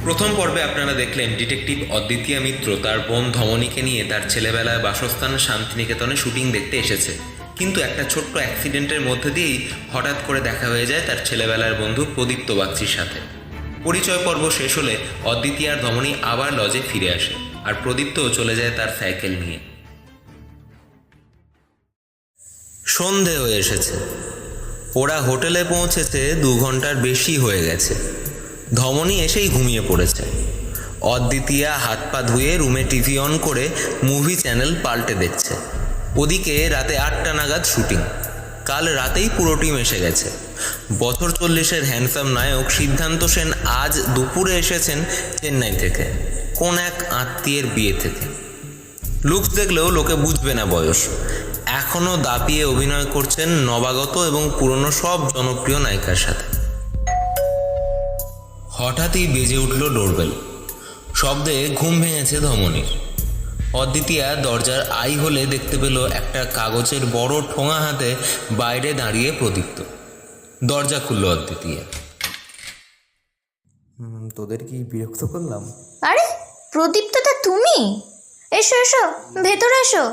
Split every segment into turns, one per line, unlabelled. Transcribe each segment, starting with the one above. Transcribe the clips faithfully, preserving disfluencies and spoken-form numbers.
প্রথম পর্বে আপনারা দেখলেন ডিটেকটিভ অদ্বিতীয়া মিত্র তার বোন ধমনীকে নিয়ে তার ছেলেবেলায় বাসস্থান শান্তিনিকেতনে শুটিং দেখতে এসেছে, কিন্তু একটা ছোট্ট অ্যাক্সিডেন্টের মধ্যে দিয়েই হঠাৎ করে দেখা হয়ে যায় তার ছেলেবেলার বন্ধু প্রদীপ্ত বাগচির সাথে। পরিচয় পর্ব শেষ হলে অদ্বিতীয় আর ধমনী আবার লজে ফিরে আসে, আর প্রদীপ্তও চলে যায় তার সাইকেল নিয়ে। সন্ধে হয়ে এসেছে, ওরা হোটেলে পৌঁছেছে দু ঘন্টার বেশি হয়ে গেছে। ধমনী এসেই ঘুমিয়ে পড়েছে। অদ্বিতীয়া হাত পা ধুয়ে রুমে টিভি অন করে মুভি চ্যানেল পাল্টে দেখছে। ওদিকে রাতে আটটা নাগাদ শুটিং। কাল রাতেই পুরো টিম এসে গেছে। বছর চল্লিশের হ্যান্ডসাম নায়ক সিদ্ধান্ত সেন আজ দুপুরে এসেছেন চেন্নাই থেকে, কোন এক আত্মীয়ের বিয়ে থেকে। লুকস দেখলেও লোকে বুঝবে না বয়স। এখনও দাপিয়ে অভিনয় করছেন নবাগত এবং পুরনো সব জনপ্রিয় নায়িকার সাথে। হঠাৎই বেজে উঠল ডোরবেল। শব্দে ঘুম ভেঙেছে ধমনীর। অদ্বিতীয়া দরজার আই হলে দেখতে পেল একটা কাগজের বড় ঠোঙা হাতে বাইরে দাঁড়িয়ে প্রদীপ্ত। দরজা খুলল অদ্বিতীয়া।
তোদের কি বিরক্ত করলাম?
আরে প্রদীপ্তটা তুমি? এসো এসো, ভেতরে এসো।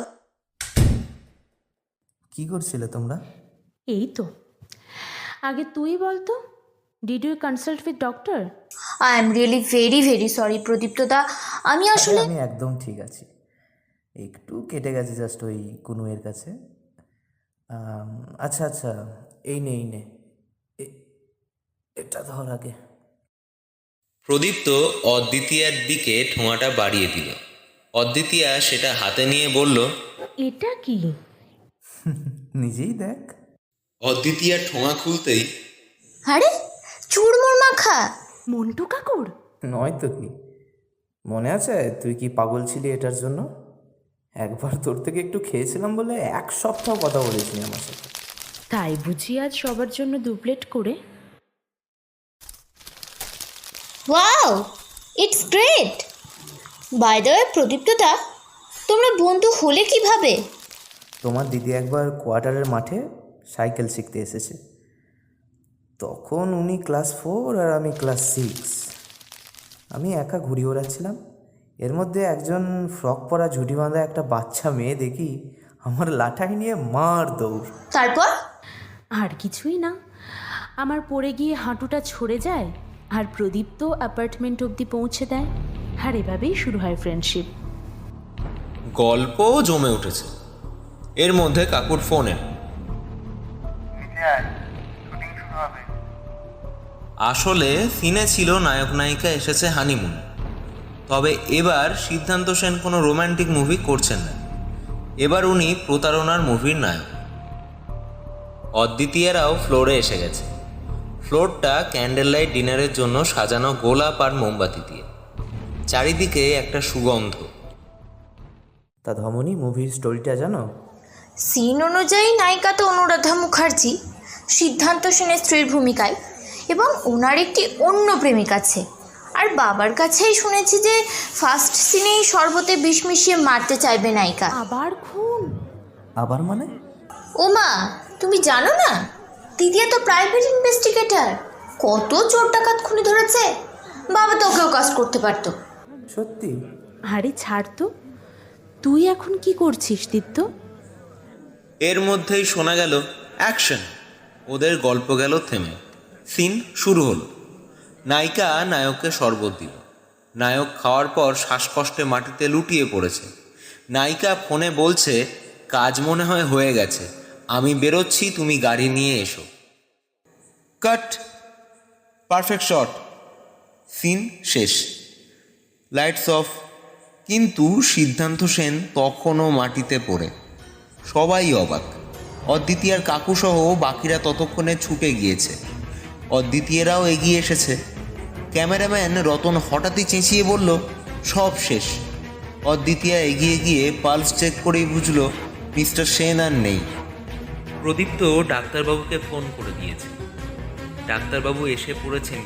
কি করছিলে তোমরা?
এই তো, আগে তুই বলতো, did you consult with doctor?
I am really very very sorry প্রদীপ্তদা, আমি আসলে
আমি একদম ঠিক আছি, একটু কেটে গেছে জাস্ট ওই কুনুয়ের কাছে। আচ্ছা আচ্ছা, এই নে এই নে, এটা ধর আগে।
প্রদীপ্ত অদ্বিতীয়ার দিকে ঠোঙাটা বাড়িয়ে দিল। অদ্বিতীয়া সেটা হাতে নিয়ে বলল,
এটা কি?
নিজেই দেখ।
অদ্বিতীয়া ঠোঙা খুলতেই,
আরে চুরমুর মাখা।
মন্টু কাকুর?
নয় তো কি, মনে আছে তুই কি পাগল ছিলি এটার জন্য? একবার তোর থেকে একটু খেয়েছিলাম বলে এক সপ্তাহ কথা বলেছিলি আমার সাথে।
তাই বুঝি আজ সবার জন্য দু প্লেট করে?
Wow, it's great. By the way প্রদীপ্তদা, তোমরা বন্ধু হলে কিভাবে?
তোমার দিদি একবার কোয়ার্টারের মাঠে সাইকেল শিখতে এসেছে, তখন উনি ক্লাস ফোর আর আমি ক্লাস সিক্স। আমি একা ঘুরি ওড়াচ্ছিলাম, এর মধ্যে একজন ফ্রক পরা ঝুটি বাঁধা একটা বাচ্চা মেয়ে দেখি আমার লাঠাই নিয়ে মার দৌড়।
তারপর?
আর কিছুই না, আমার পড়ে গিয়ে হাঁটুটা ছড়ে যায় আর প্রদীপ্ত অ্যাপার্টমেন্ট অবধি পৌঁছে দেয়, আর এভাবেই শুরু হয় ফ্রেন্ডশিপ।
গল্পও জমে উঠেছে। এর মধ্যে কাকুর ফোন এল। আসলে সিনে ছিল নায়ক নায়িকা এসেছে হানিমুন, তবে এবার সিদ্ধান্ত সেন কোনো রোম্যান্টিক মুভি করছেন না। এবার উনি প্রতারণার মুভির নায়ক। অদ্বিতীয়ারাও ফ্লোরে এসে গেছে। ফ্লোরটা ক্যান্ডেল লাইট ডিনারের জন্য সাজানো গোলাপ আর মোমবাতি দিয়ে। চারিদিকে একটা সুগন্ধ।
তা ধমনী, মুভির স্টোরিটা জানো?
সিন অনুযায়ী নায়িকা তো অনুরাধা মুখার্জি, সিদ্ধান্ত সেনের স্ত্রীর ভূমিকায়, এবং ওনার একটি অন্য প্রেমিক আছে। আর বাবার কাছেই শুনেছি যে ফার্স্ট সিনেই শরবতে বিষ মিশিয়ে মারতে চাইবে নায়িকা।
আবার খুন?
আবার মানে?
ও মা, তুমি জানো না? দিদিয়া তো প্রাইভেট ইনভেস্টিগেটর, কত চোর ডাকাত খুনি ধরেছে। বাবা তো ওকেও কাজ করতে পারতো।
সত্যি?
আরে ছাড় তো, তুই এখন কি করছিস দীপ্ত?
এর মধ্যেই শোনা গেল অ্যাকশন। ওদের গল্প গেল থেমে। সিন শুরু হলো। নায়িকা নায়ককে শরবত দিল। নায়ক খাওয়ার পর শ্বাসকষ্টে মাটিতে লুটিয়ে পড়েছে। নায়িকা ফোনে বলছে, কাজ মনে হয় হয়ে গেছে, আমি বেরোচ্ছি, তুমি গাড়ি নিয়ে এসো। কাট। Perfect shot. সিন শেষ। Lights off. কিন্তু সিদ্ধান্ত সেন তখনও মাটিতে পড়ে। সবাই অবাক। অদ্বিতীয়ার কাকুসহ বাকিরা ততক্ষণে ছুটে গিয়েছে। অদ্বিতীয়রাও এগিয়ে এসেছে। ক্যামেরাম্যান রতন হঠাৎই চেঁচিয়ে বলল, সব শেষ। অদ্বিতীয়া এগিয়ে গিয়ে পালস চেক করেই বুঝল মিস্টার সেন আর নেই। প্রদীপ্ত ডাক্তারবাবুকে ফোন করে দিয়েছে। ডাক্তারবাবু এসে পড়েছেন।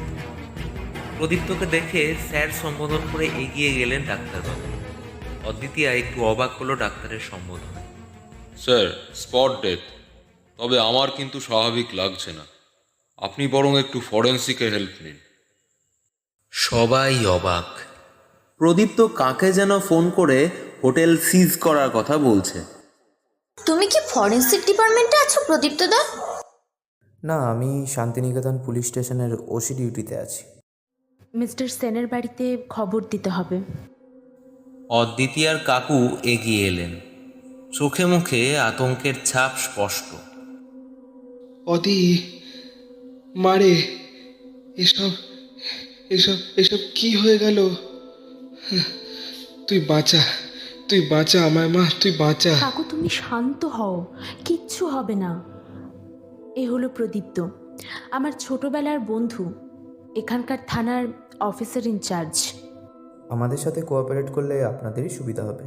প্রদীপ্তকে দেখে স্যার সম্বোধন করে এগিয়ে গেলেন ডাক্তারবাবু। অদ্বিতীয়া একটু অবাক হলো ডাক্তারের সম্বোধনে।
স্যার, স্পট ডেথ, তবে আমার কিন্তু স্বাভাবিক লাগছে না। আপনি বরং একটু ফরেন্সিকে হেল্প নিন।
সবাই অবাক। প্রদীপ্ত কাকে যেন ফোন করে হোটেল সিজ করার কথা বলছে।
তুমি কি ফরেন্সিক ডিপার্টমেন্টে আছো প্রদীপ্ত দা?
না, আমি শান্তিনিকেতন পুলিশ স্টেশনের ওসি ডিউটিতে আছি।
মিস্টার সেনের বাড়িতে খবর দিতে হবে।
অদ্বিতীয়ার কাকু এগিয়ে এলেন, চোখে মুখে আতঙ্কের ছাপ স্পষ্ট।
অদি, মারে, এসব এসব এসব কি হয়ে গেল? তুই বাঁচা, তুই বাঁচা আমায় মা, তুই বাঁচা।
কাকু তুমি শান্ত হও, কিচ্ছু হবে না। এ হলো প্রদীপ্ত, আমার ছোটবেলার বন্ধু, এখানকার থানার অফিসার ইনচার্জ।
আমাদের সাথে কোঅপারেট করলে আপনাদেরই সুবিধা হবে।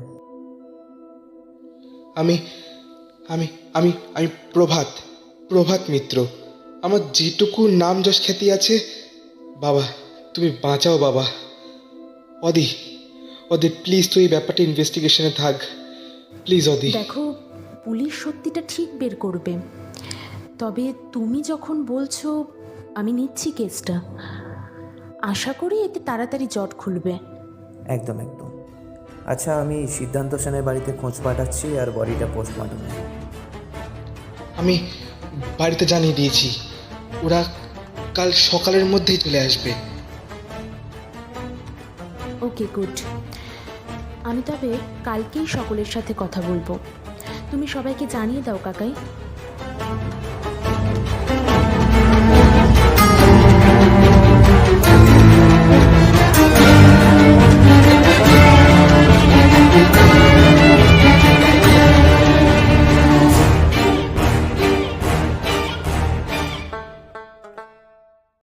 আমি আমি আমি আমি প্রভাত প্রভাত মিত্র। আমার যেটুকু নাম যশ খ্যাতি আছে, বাবা তুমি বাঁচাও বাবা। অদি, অদি প্লিজ তুই এই ব্যাপারটা ইনভেস্টিগেশনে থাক প্লিজ অদি।
দেখো, পুলিশ সত্যিটা ঠিক বের করবে, তবে তুমি যখন বলছো আমি নিচ্ছি কেসটা। আশা করি এতে তাড়াতাড়ি জট খুলবে।
একদম একদম। আচ্ছা, আমি সিদ্ধান্ত সেনের বাড়িতে খোঁজ পাঠাচ্ছি আর বডিটা পোস্টমর্টমে।
আমি বাড়িতে জানিয়ে দিয়েছি, ওরা কাল সকালের মধ্যেই চলে আসবে।
Okay, good. আমি তবে কালকেই সকলের সাথে কথা বলবো। তুমি সবাইকে জানিয়ে দাও কাকাই।